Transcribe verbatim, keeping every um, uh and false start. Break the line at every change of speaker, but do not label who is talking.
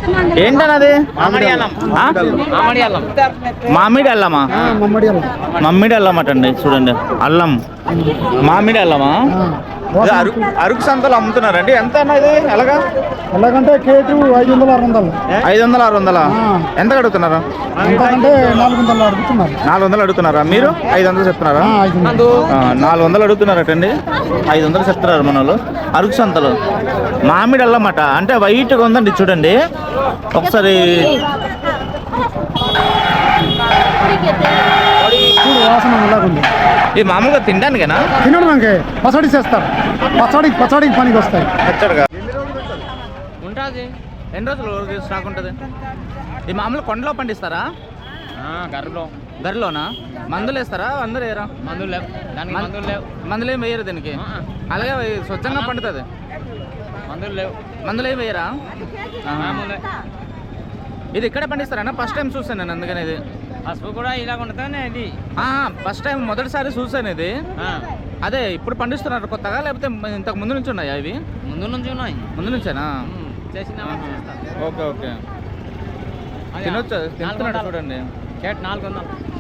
ఏంటన్నది మామిడి అల్లమా మమ్మిడి అల్లం అటండి చూడండి అల్లం మామిడి అల్లమా అరకు అరకు సంతలు అమ్ముతున్నారండి ఎంత అన్నది ఎలాగా
ఎలాగంటే కేజీ ఐదు వందలు ఆరు వందలు
ఐదు వందలు ఆరు వందల ఎంత అడుగుతున్నారు
అంటే నాలుగు వందలు అడుగుతున్నారు
నాలుగు వందలు అడుగుతున్నారా మీరు ఐదు వందలు చెప్తున్నారా నాలుగు వందలు అడుగుతున్నారటండి ఐదు వందలు చెప్తున్నారు మన వాళ్ళు అరకు సంతలు మామిడి అల్లమాట అంటే వైట్గా ఉందండి చూడండి ఒకసారి
వాసన అలాగుంది
ఈ మామూలుగా తినడానికేనా
తినడం మనకి పచ్చడి చేస్తారు పచ్చడి పచ్చడికి పనికి వస్తాయి
పచ్చడిగా ఉంటుంది ఎన్ని రోజులు స్టాక్ ఉంటుంది ఈ మామూలు కొండలో పండిస్తారా
గర్రలో
గర్రలోనా మందులు వేస్తారా అందరూ వేయరా
మందులు లేవు దానికి మందులు లేవు
మందులు ఏం వేయరు దీనికి అలాగే స్వచ్ఛంగా పండుతుంది
మందులు లేవు
మందులు ఏం వేయరా ఇది ఇక్కడే పండిస్తారా ఫస్ట్ టైం చూసాను నేను అందుకని ఇది
పసుపు కూడా ఇలా ఉంటుంది ఇది
ఫస్ట్ టైం మొదటిసారి చూసాను ఇది అదే ఇప్పుడు పండిస్తున్నారు కొత్తగా లేకపోతే ఇంతకు ముందు నుంచి ఉన్నాయా ఇవి
ముందు నుంచి ఉన్నాయి
ముందు నుంచేనా
చేసిన
ఓకే ఓకే తినొచ్చు తింటున్నాడు చూడండి
కేట్ నాలుగు వందలు